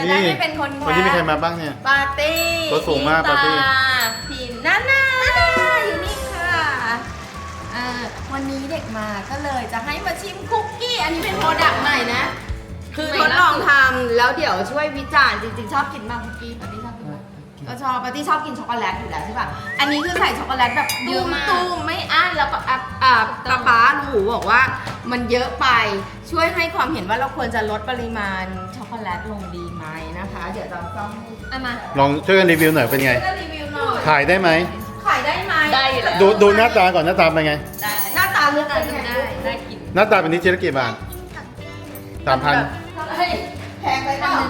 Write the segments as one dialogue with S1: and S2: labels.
S1: ได้ไม่เป็นคนแค
S2: วันนี้มีใคร
S1: ส
S2: มาบ้างเนี่ย
S1: ปาร์ตี้
S2: ตัวสูงมากปาร์ตี้
S1: พิมนานาอยู่นี่ค่ะวันนี้เด็กมาก็เลยจะให้มาชิมคุกกี้ อันนี้เป็นโปรดักต์ใหม่นะ คือทดลองทำแล้วเดี๋ยวช่วยวิจารณ์จริงๆ ชอบกินมากคุกกี้ปาร์ตี้ชอบกินไหมก็ชอบปาร์ตี้ชอบกินช็อกโกแลตอยู่แล้วใช่ป่ะ อันนี้คือใส่ช็อกโกแลตแบบตุ้มๆไม่อั้นแล้วก็ป๊าหนูบอกว่ามันเยอะไปช่วยให้ความเห็นว่าเราควรจะลดปริมาณช็อกโกแลตลงดีไหมนะคะ เดี๋ยวจะต้องให้มา
S2: ลองช่วยกันรีวิวหน่อยเป็นไง
S1: ก็รีวิวหน่อย
S2: ขายได้ไหม
S1: ขายได้ไหมได้อยู่แล้ว
S2: ดูหน้าตาก่อนหน้าตาเป็นไง
S1: หน้าตาเลือกเป็นไงได้กิน
S2: หน้าตาเป็นนี้ชิ้นละกี่บาท3,000
S1: แพงไปเปล่า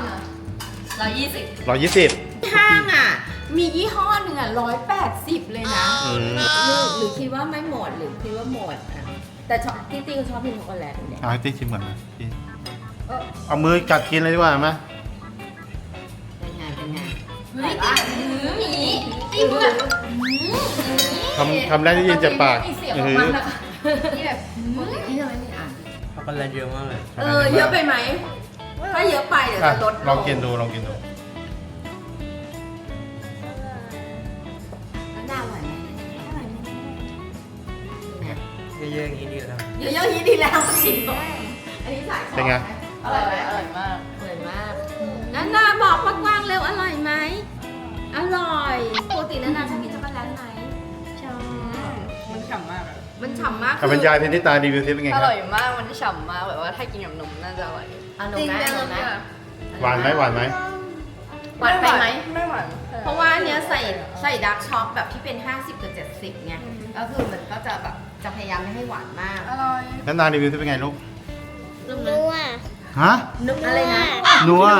S2: 120
S1: ห้างอ่ะมียี่ห้อหนึ่งอ่ะ180เลยนะ
S2: อืม
S1: หรือคิดว่าไม่หมดหรือคิดว่าหมดอ่ะแต่ชอบที่ตีก็ชอบกินช็อกโกแลตเนี่ย
S2: เอาให้ติ๊กชิมก่อนนะพี่เอามือกัดกินเลยดีกว่าไหม
S1: เป็นไงเฮ้ยหมีตีเพื่อน
S2: คำแรกที่ยินจากปาก
S1: มีเสียงออกมานะคะที่แบบที่ทำไมไม่อ่าน
S3: ช็อกโกแลตเยอะมากเลย
S1: เยอะไปไหมถ้าเยอะไปเดี๋ยวจะลด
S2: ลองกินดูลองกินดู
S1: น่าอร่อยไหมอร่อยไหม
S3: เยอะๆอย่างนี้ดีแล้ว
S1: เยอะๆอย่างนี้ดีแล้วจริงอันนี้สาย
S2: เป็นไง
S1: อร่อยไหมอร่อยมากอร่อยมากนาบอกกว้างๆเร็วอร่อยไหมอร่อยปกตินาชอบกินช็อกโกแลตไหมชอบ
S4: มันฉ่ำมากอะ
S1: มันฉ่ำมาก
S2: เอาเป็นยายเพนนิตารีวิวซิเป็นไง
S4: อ
S2: ครับ
S4: ร่อยมาก มันฉ่ำมากแบบว่าถ้ากินกับนมน่าจะอร่อย
S1: อร่อยไหมอร่อยไหม
S2: หวานไหมหวานไหม
S1: หวานไปไหม
S4: ไม่หวาน
S1: เพราะว่าอันเนี้ยใส่ดาร์กช็อกแบบที่เป็น 50 กับ 70ไงก็คือมันก็จะแบบจะพยายามไม่ให้หวานมาก
S4: อร่อย
S2: แล้วนารีวิวซิเป็นไงลูก
S5: นัว
S2: ฮะ
S1: นึกอะไรนะ
S2: นัว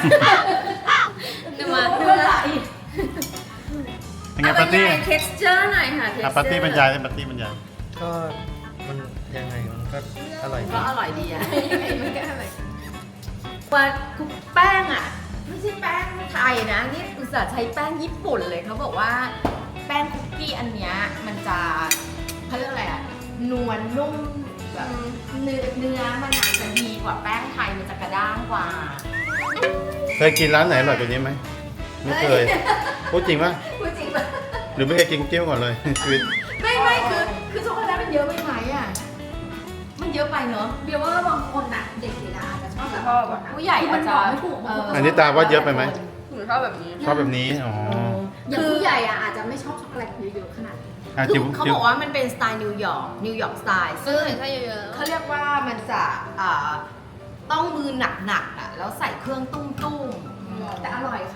S1: นึกอะไร
S2: เป็นไงปาร์ตี้
S1: เท็กซ์เจอร์หน่อยค่ะ
S2: อ่ะปาร์ตี้บรรยายเลยปาร์ตี้บรรยาย
S3: ก็มันยังไงมันก็อร่อยดี
S1: ก็อร่อยดีอะมันก็อร่อยว่าคุกแป้งอะไม่ใช่แป้งไทยนะนี่อุตส่าห์ใช้แป้งญี่ปุ่นเลยเขาบอกว่าแป้งคุกกี้อันเนี้ยมันจะเขาเรียกอะไรอะนวลนุ่มแบบเนื้อมันอาจจะดีกว่าแป้งไทยมันจะกระด้างกว่า
S2: เคยกินร้านไหนอร่อยกว่านี้ไหมไม่เคยพูดจริงป่ะ
S1: พูดจริงป่ะ
S2: หรือไม่เคยกินคุกกี้มาก่อนเลย ชีวิต
S1: ไม่คือช็อกโกแลตมันเยอะไปไหมอะมันเยอะไปเนอะเบียร์ว่าบางคนอะเด็กๆอาจจะชอบแบบผู้ใหญ่อาจจะ
S2: อันนี้ตาว่าเยอะไปไหม
S4: หนูชอบแบบนี้
S2: ชอบแบบนี้อ๋อ
S5: อย่างผู้ใหญ่อะอาจจะไม่ชอบช็อกโกแลตเยอะๆขนาดนี้
S2: อ่ะ
S1: คือ
S2: จิ๋ว
S1: เขา
S2: จิ๋
S1: บ
S2: ว
S1: อกว่ามันเป็นสไตล์นิวยอร์กสไตล์ซึ่ง
S4: ถ้าเยอะ
S1: เขาเรียกว่ามันจะต้องมือหนักๆอ่ะแล้วใส่เครื่องตุ้มๆแต่อร่อยค่ะ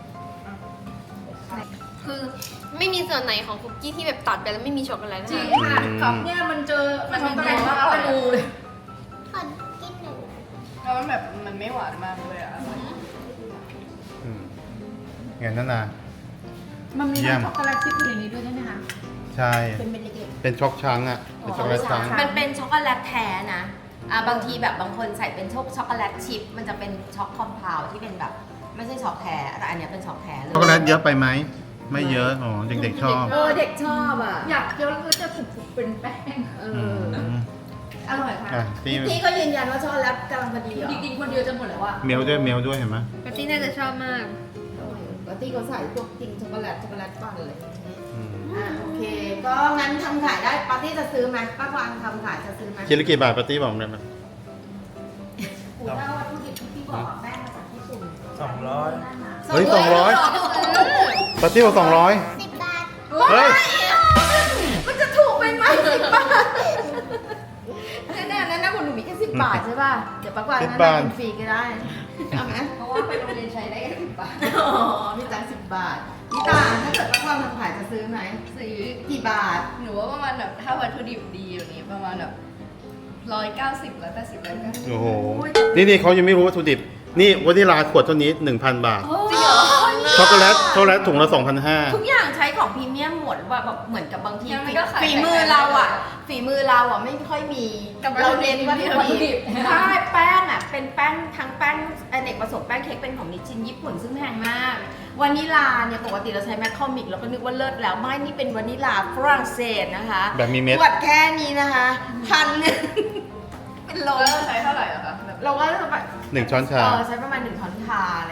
S5: คือไม่มีส่วนไหนของคุกกี้ที่แบบตัดไปแล้วไม่มีช็อกโกแลต
S4: จริง
S5: ค่ะ
S4: ค่ะครับเนี่ยมันเจอมันมีเยอะมากเลย
S5: ขอกินหน่อย
S4: แล้วมันแบบมันไม่หวานมากเลยอะ
S2: อืมงั้นนั่นนะ
S4: มันมี
S2: เยี่ยม
S4: ช็อกโกแลตชิพอยู่ในนี้ด้วยใช่ไหมคะ
S2: ใช่
S1: เป็นเม็ดเล็ก
S2: เป็นช็อกช้างอ่ะเป็นช็อกโกแลตช้าง
S1: มันเป็นช็อกโกแลตแท้นะบางทีแบบบางคนใส่เป็นช็อกโกแลตชิพมันจะเป็นช็อกคอมเพลที่เป็นแบบไม่ใช่ช็อกแท้แต่อันเนี้ยเป็นช็อกแท้เลย
S2: ช็อกโกแลตเยอะไปไหมไม่เยอะอ๋อเด็กๆชอบ
S1: เด็กชอบอ่ะ
S4: อยากเคี้ยวแล้วก็จะถูกเป็นแป้ง
S2: ม
S1: อร่อยค่ะ
S2: อ่ะที่
S1: พี่ก็ยืนยันว่าช็อกโกแลตกำลังพอดีเหรอ
S4: จริงๆคนเดียวจะหมดแล้วอะ
S2: เมลด้วยเห็นไหม
S5: ปาร์ตี้น่าจะชอบมาก
S1: ปกติเขาใส่พวกจริงช็อกโกแลตปั่นเลย
S2: อืม
S1: โอเค ก็งั้นทำขายได้ปาร์ตี้จะซื้อไหมป้ากวางทำขายจะซื้อไหม
S2: คิดละกี่บาทปาร์ตี้บอกผมได้ไหม
S1: ถ้าวัตถุดิบที่พี่บอกแป้งมาจากญี่ปุ่น
S3: 200
S2: เฮ้ย200ปาร์ตี้บอก200
S5: 10 บาท
S2: เฮ้ย
S1: มันจะถูกไปไหม10 บาทแน่ๆนั่นนะคุณหนูมีแค่10 บาทใช่ป่ะ เดี๋ยวป้ากวางนั่นกินฟรีก็ได้เอาไหม
S4: เพราะว่าไปโรงเรียนใช้ได้แค่10 บาท
S1: อ๋อมีตังค์10 บาทพี่ตาถ้าเกิดป้ากวางทำขายจะซื้อไหม
S4: ซื้อ
S1: กี่บาท
S4: หนูว่าประมาณแบบถ้าวัตถุดิบดีอย่างนี้ประมาณแบบ190 180 190
S2: โอ้โหนี่เขายังไม่รู้วัตถุดิบนี่วานิลาขวดเท่านี้ 1,000 บาท
S1: จริงเหรอ
S2: ช็อกโกแลตถุงละ 2,500
S1: ทุกอย่างใช้ของพรีเมียมหมดว่าแบบเหมือนกับบางที
S4: ยังไงก็ขาย
S1: ฝีมือเราอ่ะฝีมือเราอ่ะไม่ค่อยมี
S4: กับ
S1: เราเน้นวัตถุ
S4: วัตถุดิ
S1: ดิบบ ใช่แป้งอ่ะเป็นแป้งทั้งแป้งอเนกประสงค์แป้งเค้กเป็นของนิชชินญี่ปุ่นซึ่งแพงมากวานิลาเนี่ยปกติเราใช้แมคคอมิกเราก็นึกว่าเลิศแล้วไม่นี่เป็นวานิลาฝรั่งเศสนะคะ
S2: แบบมีเม็ด
S1: ขวดแค่นี้นะคะ1,000เป็นโล
S4: แล้วเราใช้เท่าไหร่อะคะแบบ
S1: เราก็แบบ
S2: 1 ช้อนชา
S1: ใช้ประมาณ1 ช้อนชาอะไรอย่างเงี้ย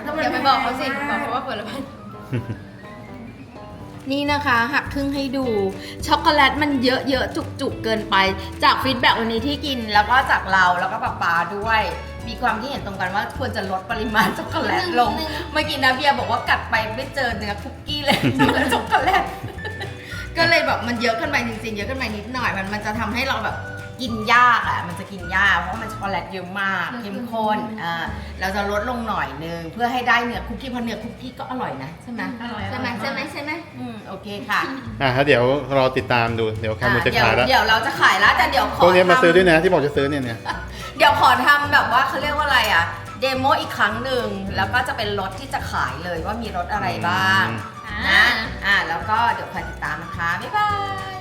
S5: อย่าไปบอกเขาสิบอกเขาว่าผลไม้
S1: นี่นะคะหักครึ่งให้ดูช็อกโกแลตมันเยอะๆจุกๆเกินไปจากฟีดแบ็กวันนี้ที่กินแล้วก็จากเราแล้วก็ป๊าด้วย มีความที่เห็นตรงกันว่าควรจะลดปริมาณช็อกโกแลตลง เมื่อกี้นะเบียร์บอกว่ากัดไปไม่เจอเนื้อคุกกี้เลยเจอช็อกโกแลต ก็เลยแบบมันเยอะขึ้นไปจริงๆเยอะขึ้นไปนิดหน่อยมันจะทำให้เราแบบกินยากอ่ะมันจะกินยากเพราะมันช็อกโกแลตเยอะมากเข้มข้นเราจะลดลงหน่อยนึงเพื่อให้ได้เนื้อคุกกี้เพราะเนื้อคุกกี้ก็อร่อยนะใช่ไหม
S4: อร่อย
S1: ใช่ไหมโอเคค่ะ
S2: เดี๋ยวรอติดตามดูเดี๋ยวแคมูจะขายแล้ว
S1: เดี๋ยวเราจะขายแล้วแต่เดี๋ยวขอ
S2: พวกนี้มาซื้อด้วย
S1: ทำ
S2: นะที่บอกจะซื้อเนี่ย
S1: เดี๋ยวขอทำแบบว่าเขาเรียกว่าอะไรอ่ะเดโมอีกครั้งหนึ่งแล้วก็จะเป็นรถที่จะขายเลยว่ามีรถอะไรบ้างนะแล้วก็เดี๋ยวคอยติดตามนะคะบ๊ายบาย